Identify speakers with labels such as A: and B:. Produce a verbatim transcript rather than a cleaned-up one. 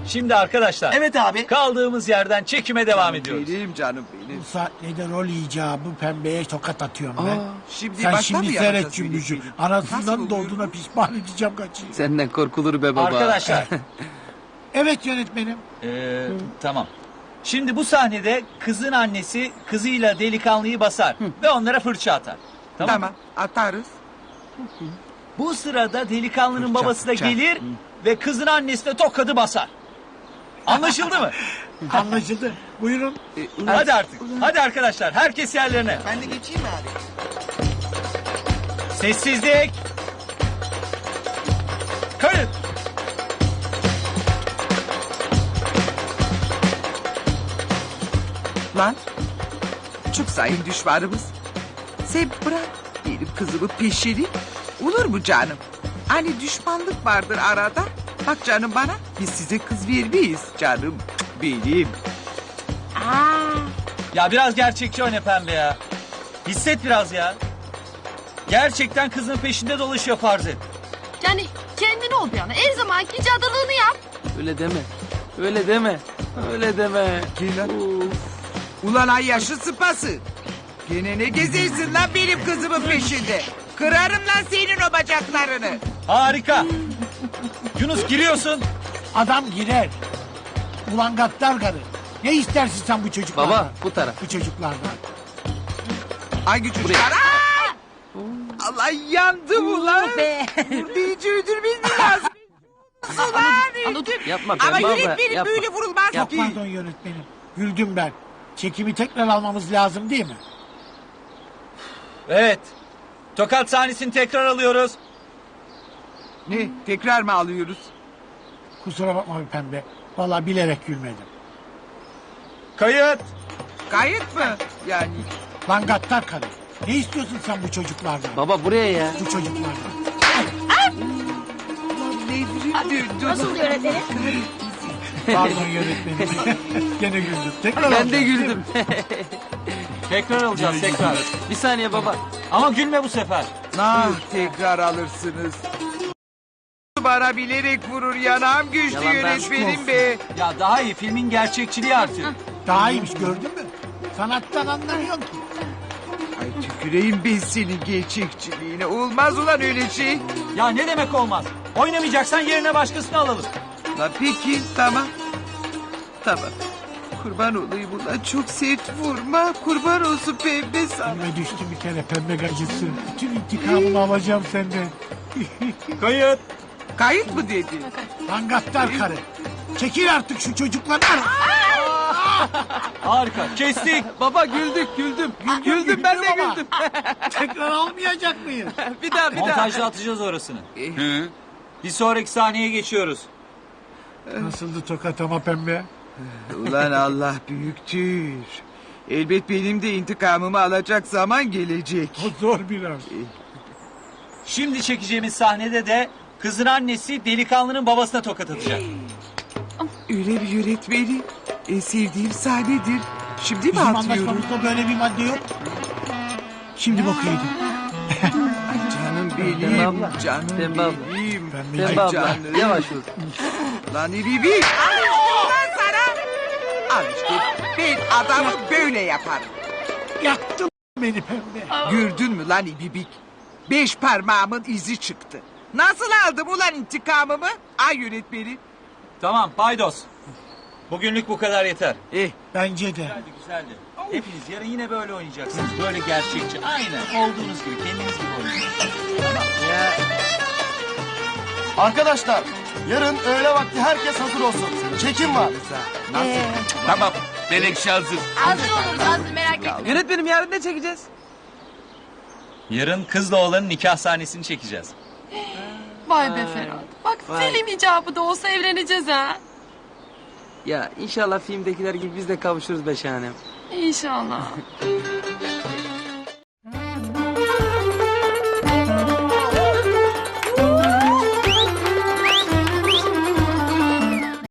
A: Şimdi arkadaşlar.
B: Evet abi.
A: Kaldığımız yerden çekime devam ediyoruz.
C: Benim canım benim.
D: Bu saatlerde rol icabı pembeye tokat atıyorum ben.
C: Şimdi
D: Sen
C: baştan
D: şimdi
C: mı
D: seyret
C: yapacağız
D: cümbüşü.
C: benim? Nasıl
D: Anasından
C: oluyor
D: doğduğuna
C: bu?
D: pişman edeceğim kaçıyı.
B: Senden korkulur be baba.
A: Arkadaşlar.
D: Evet yönetmenim.
A: Ee, tamam. Şimdi bu sahnede kızın annesi kızıyla delikanlıyı basar ve onlara fırça atar. Tamam.
C: Tamam atarız.
A: Bu sırada delikanlının
C: Fırça,
A: babası da
C: fırça.
A: gelir ve kızın annesine tokadı basar. Anlaşıldı mı?
D: Anlaşıldı. Buyurun.
A: Hadi artık. Hadi arkadaşlar. Herkes yerlerine.
C: Ben de geçeyim mi abi?
A: Sessizlik. Kayıt.
C: Lan. Çok sayın düşmanımız. Sen bırak benim kızımı peşini. Olur mu canım? Hani düşmanlık vardır arada. Bak canım bana. Biz size kız vermeyiz canım. Benim.
A: Ya biraz gerçekçi oyna pembe ya. Hisset biraz ya. Gerçekten kızın peşinde dolaşıyor farz et.
E: Yani kendin ol bir yana. Her zamanki cadılığını yap.
B: Öyle deme. Öyle deme. Öyle deme.
C: Gel lan. Ulan ay yaşı sıpası. Gene ne gezersin lan benim kızımın peşinde. Kırarım lan senin o bacaklarını.
A: Harika. Yunus giriyorsun.
D: Adam girer. Ulan gaddar karı. Ne istersin sen bu çocuklardan?
B: Baba bu taraf.
D: Bu çocuklardan.
C: Hangi çocuklar? Aa! Allah yandım ulan. Burada hiç öldürmeyin lazım.
E: Anladım.
B: Yapma
C: Ama
B: pembe abla.
C: yönetmenim
B: Yapma.
C: böyle vurulmaz
D: Çok
C: ki.
D: pardon yönetmenim. Güldüm ben. Çekimi tekrar almamız lazım değil mi?
A: Evet. Tokat sahnesini tekrar alıyoruz.
C: Ne? Tekrar mı alıyoruz?
D: Kusura bakma bir pembe. Vallahi bilerek gülmedim.
A: Kayıt.
C: Kayıt mı? Yani.
D: Lan gaddar karı. Ne istiyorsun sen bu çocuklardan?
B: Baba buraya ya.
D: Bu çocuklardan.
C: Nevrim döndü.
E: Nasıl yönetmenim?
D: Pardon yönetmenim. Gene güldüm. Tekrar
B: Ben de
D: alacağım.
B: güldüm.
A: Tekrar alacağız tekrar.
B: Bir saniye baba.
A: Ama gülme bu sefer.
C: Nah tekrar alırsınız. Bana bilerek vurur yanağım güçlü
B: Yalan ben-
C: yönetmenim be.
A: Ya daha iyi filmin gerçekçiliği artıyor.
D: Daha iyiymiş gördün mü? Sanattan anlamıyorsun ki.
C: Ay tüküreyim ben senin gerçekçiliğine. Olmaz ulan öyle şey.
A: Ya ne demek olmaz? Oynamayacaksan yerine başkasını alalım.
C: La peki tamam. Tamam. Kurban olayım ulan çok sert vurma. Kurban olsun pembe sana.
D: Önüme düştü bir kere pembe gacısı. Bütün intikamımı alacağım senden.
A: Kayıt.
C: Kayıt mı dedi?
D: Lan gaddar karı. Çekil artık şu çocuklardan.
A: Harika. Kestik.
B: Baba güldük güldüm. Güldüm ben de
D: güldüm ama.
B: güldüm.
D: Tekrar almayacak mıyız?
B: bir daha bir daha.
A: Montajda atacağız orasını. Bir sonraki sahneye geçiyoruz.
D: Nasıldı tokat ama pembe?
C: Ulan Allah büyüktür. Elbet benim de intikamımı alacak zaman gelecek.
D: O zor biraz.
A: Şimdi çekeceğimiz sahnede de kızın annesi delikanlının babasına tokat atacak.
C: Öyle bir yönetmeni. En sevdiğim sahnedir. Şimdi mi
D: Bizim
C: atıyorum?
D: anlaşmamızda böyle bir madde yok. Şimdi bok yedim.
C: Canım
B: Pembe
C: benim.
B: abla.
C: Canım
B: Pembe abla.
C: benim.
D: Pembe
B: Pembe abla
C: canım.
B: yavaş ol.
C: Lan iribi. Lan sana. Al işte ben adamı böyle yaparım.
D: Yaktın beni pembe.
C: Gördün mü lan ibibik? Beş parmağımın izi çıktı. Nasıl aldım ulan intikamımı? Ay yönetmeni.
A: Tamam paydos. Bugünlük bu kadar yeter.
C: Eh
D: Bence de.
A: Güzeldi güzeldi. Hepiniz yarın yine böyle oynayacaksınız. Böyle gerçekçi. Aynen olduğunuz gibi kendiniz gibi oynayacaksınız.
B: Ya.
F: Arkadaşlar yarın öğle vakti herkes hazır olsun. Çekim var.
C: nasıl?
G: Tamam. Menekşe hazır.
E: Hazır oluruz hazır merak etme.
B: Yönetmenim yarın ne çekeceğiz?
A: Yarın kızla oğlanın nikah sahnesini çekeceğiz.
E: Vay be Ferhat. Bak
B: Vay.
E: film icabı da olsa evleneceğiz ha.
B: Ya inşallah filmdekiler gibi biz de kavuşuruz be şahanem.
E: İnşallah.